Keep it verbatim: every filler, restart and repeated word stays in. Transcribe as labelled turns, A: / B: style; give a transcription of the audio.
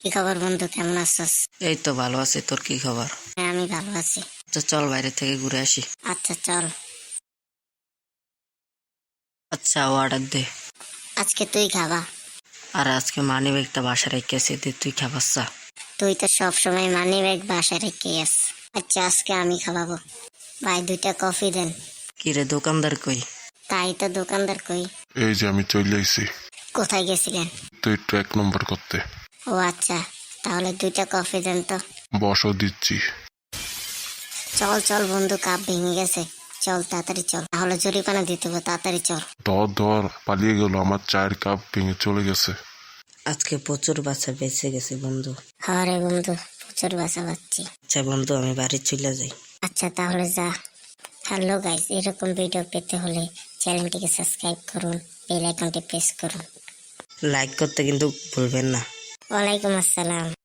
A: কি খবর বন্ধু, কেমন আছিস?
B: এই তো ভালো আছি, তোর কি খবর?
A: হ্যাঁ, আমি ভালো আছি।
B: আচ্ছা চল বাইরে থেকে ঘুরে আসি।
A: আচ্ছা চল।
B: আচ্ছা অর্ডার দে।
A: আজকে তুই খাবা?
B: আর আজকে মানি ব্যাগটা বাসা রেখেছি, দে তুই খাবাচ্ছা।
A: তুই তো সব সময় মানি ব্যাগ বাসায় রেখে আস। আচ্ছা আজকে আমি খাওয়াবো। ভাই দুইটা কফি দেন।
B: কি রে দোকানদার কই?
A: তাই তো দোকানদার কই।
C: এই যে আমি চলে আইছি
A: কোথায় গেছিলেন?
C: তো একটু এক নম্বর করতে।
A: ও আচ্ছা, তাহলে দুইটা কফি দেন তো।
C: বসও দিচ্ছি।
A: চল চল বন্ধু, কাপ ভেঙে গেছে। চল তাড়াতাড়ি চল, তাহলে জরিমানা দিতে হবে। তাড়াতাড়ি চল।
C: ধর ধর পালিয়ে গেল, আমার চায়ের কাপ ভেঙে চলে গেছে।
B: আজকে প্রচুর বাচ্চা বেঁচে গেছে বন্ধু।
A: হ্যাঁ রে বন্ধু, প্রচুর বাসা পাচ্ছি।
B: আচ্ছা বন্ধু আমি বাড়ি চলে যাই।
A: আচ্ছা তাহলে যা। হ্যালো গাইস, এরকম ভিডিও পেতে হলে চ্যানেলটিকে সাবস্ক্রাইব করুন, বেল আইকনটি প্রেস করুন।
B: লাইক করতে কিন্তু ভুলবেন না।
A: ওয়ালাইকুম আসসালাম।